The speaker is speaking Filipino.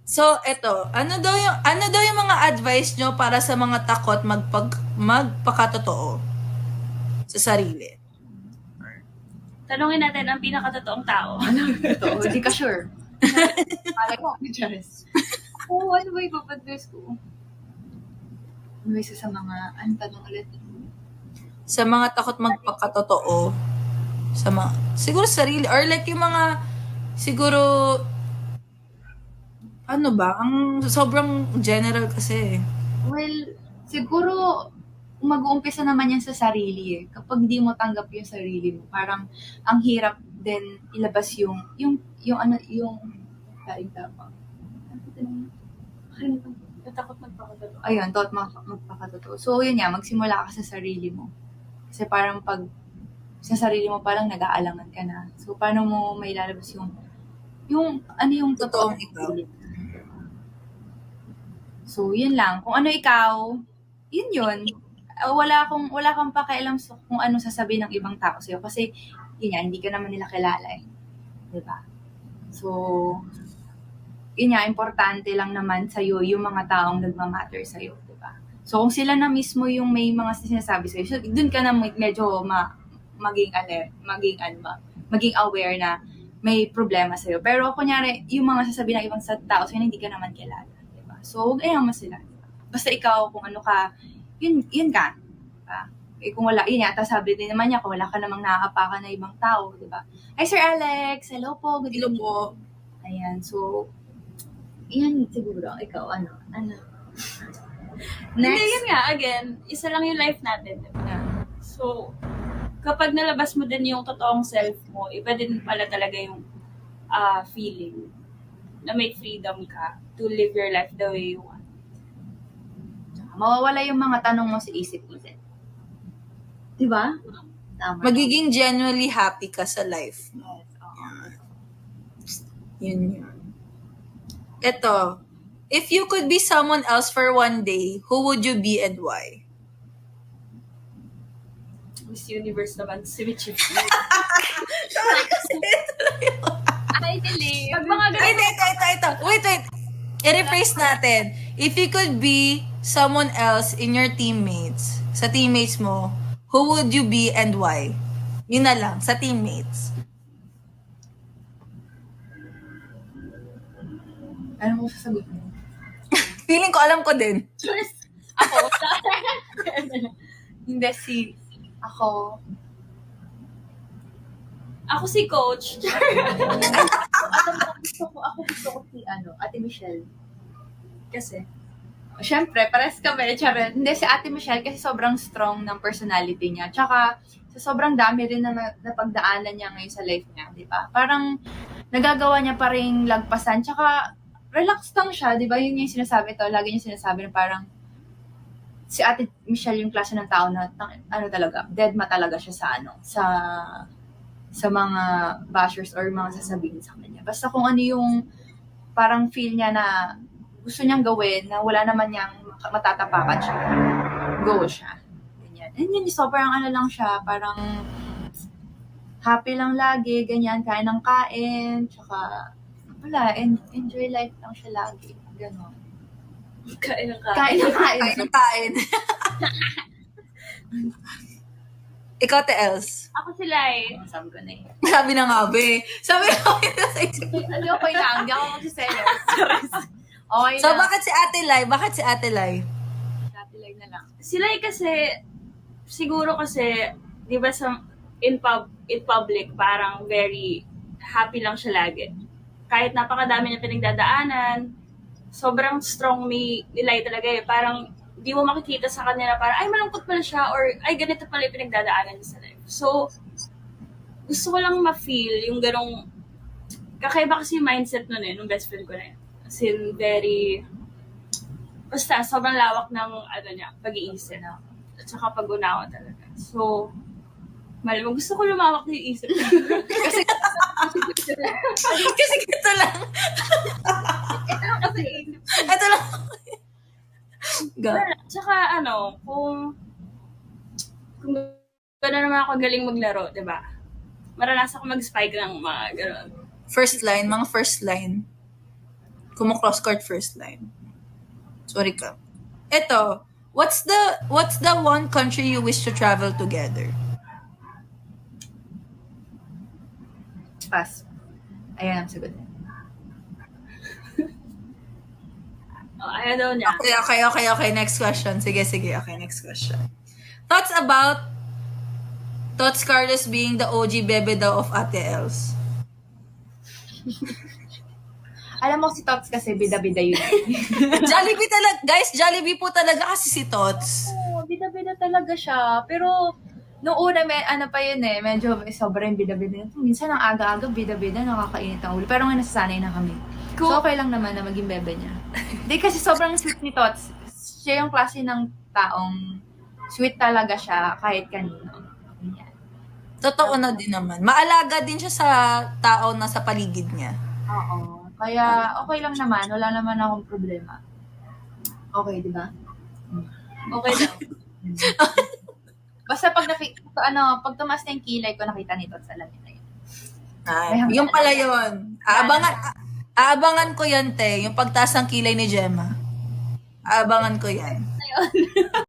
So, eto, ano daw yung mga advice nyo para sa mga takot magpakatotoo sa sarili? Tanungin natin ang pinakatotoong tao. Totoo, hindi ka sure. Malay mo, Charis. Oo, ano ba ipapadres ko? Ano ba isa sa mga, ano tanong ulit? Sa mga takot magpakatotoo siguro sarili or like yung mga siguro ano ba, ang sobrang general kasi. Well, siguro, mag-uumpisa naman yan sa sarili eh. Kapag di mo tanggap yung sarili mo, parang ang hirap din ilabas yung kain tama. Natakot magpakatotoo. Ayun, thought magpakatotoo. So, yun nga, magsimula ka sa sarili mo. Kasi parang pag sa sarili mo parang nag-aalangan ka na. So, paano mo may lalabas yung Totoong totoong ikaw. sarili mo? So, yun lang. Kung ano ikaw, yun. Wala kang pakialam sa kung ano sasabihin ng ibang tao sa'yo. Kasi, yun nga, hindi ka naman nila kilala eh. Diba? So, yun nga, importante lang naman sa'yo yung mga taong nagmamatter sa'yo. Diba? So, kung sila na mismo yung may mga sinasabi sa'yo, so, dun ka na medyo maging alert, maging aware na may problema sa'yo. Pero, kunyari, yung mga sasabihin ng ibang tao sa'yo, hindi ka naman kilala. So, huwag ayaw mo sila. Basta ikaw, kung ano ka, yun ka. Diba? Eh, kung wala, yun yata sabi din naman niya, kung wala ka namang nakakapakan na ibang tao, diba? Hi, Sir Alex! Hello po! Good Hello evening. po. Ayan, so, yan siguro. Ikaw, ano? Hindi, Next. yun nga, again, isa lang yung life natin. Diba? Yeah. So, kapag nalabas mo din yung totoong self mo, iba din pala talaga yung feeling na may freedom ka to live your life the way you want. Mawawala yung mga tanong mo sa isip-isip. Diba? Tama. Magiging genuinely happy ka sa life. Yes, oo. Yun. Ito, if you could be someone else for one day, who would you be and why? Miss Universe naman, si Michi. Sorry kasi Ay, dili. Pag mga Ay, ganun, ito. Wait. I-rephrase natin. If you could be someone else in your teammates, sa teammates mo, who would you be and why? Yun na lang, sa teammates. Ano mo sasagot mo? Feeling ko alam ko din. ako, Hindi, ako. ako si Coach. Gusto ko si Ate Michelle. Kasi, Siyempre, pares kami, charot. Hindi, si Ate Michelle kasi sobrang strong ng personality niya. Tsaka, sa sobrang dami rin na napagdaanan niya ngayon sa life niya, di ba? Parang, nagagawa niya pa rin lagpasan. Tsaka, relax lang siya, di ba? Yun yung sinasabi to. Lagi niya sinasabi na parang, si Ate Michelle yung klase ng tao na, talaga, deadma talaga siya sa mga bashers or mga sasabihin sa kanya. Basta kung ano yung parang feel niya na gusto niyang gawin na wala naman niyang matatapakan siya. Go siya. Ganyan. And yun, sobrang lang siya, parang happy lang lagi, ganyan, kain ng kain, tsaka wala, enjoy life lang siya lagi. Ganon. kain ng kain. Kain ng kain. Kain. Ikaw, te Els. Ako si Lai. Sabi ko na eh. Sabi na nga, be. Sabi ko sa isip. Okay lang, hindi ako magsiselos. Okay So, lang. bakit si Ate Lai? Dati lang na lang. Si Lai kasi, siguro kasi, di ba in public, parang very happy lang siya lagi. Kahit napakadami niya pinagdadaanan, sobrang strong ni Lai talaga eh. Parang, di mo makikita sa kanya na parang, ay, malungkot pala siya, or ay, ganito pala yung pinagdadaanan niya sa life. So, gusto ko lang ma-feel yung ganong, kakaiba kasi yung mindset nun eh, nung best friend ko na yun. As in, very, basta, sobrang lawak ng, niya, pag-iisip. At saka pag-unawa talaga. So, malamang gusto ko lumawak na yung isip. Kasi Ito lang. kasi Ito lang. Go. Tsaka kung gano'n naman ako galing maglaro, di ba? Maranasan ko mag-spike ng mga gano'n. First line, mga first line. Kumu-cross court first line. Sorry ka. Eto, what's the one country you wish to travel together? Pass. Ayan ang sagot. Oh, ayaw daw niya. Okay. Next question. Sige. Okay, next question. Thoughts about Tots Carlos being the OG bebe daw of Ate Els. Alam mo si Tots kasi bida-bida yun. Jollibee talaga. Guys, Jollibee po talaga kasi si Tots. Oo, bida-bida talaga siya. Pero, nung una, ano pa yun eh, medyo sobrang bida-bida. Minsan ang aga-aga, bida-bida, nakakainit ang ulo. Pero nga nasasanay na kami. Cool. So, okay lang naman na maging bebe niya. Hindi kasi sobrang sweet ni Tots. Siya yung klase ng taong sweet talaga siya kahit kanino. Yan. Totoo na din naman. Maalaga din siya sa tao na sa paligid niya. Oo. Kaya, okay lang naman. Wala naman akong problema. Okay, di ba? Okay daw. Basta pag pag tumas na yung kilay ko, nakita nito sa lamin na yun. Yung pala yun. Aabangan ko yan, te. Yung pagtaas ng kilay ni Gemma. Aabangan ko yan.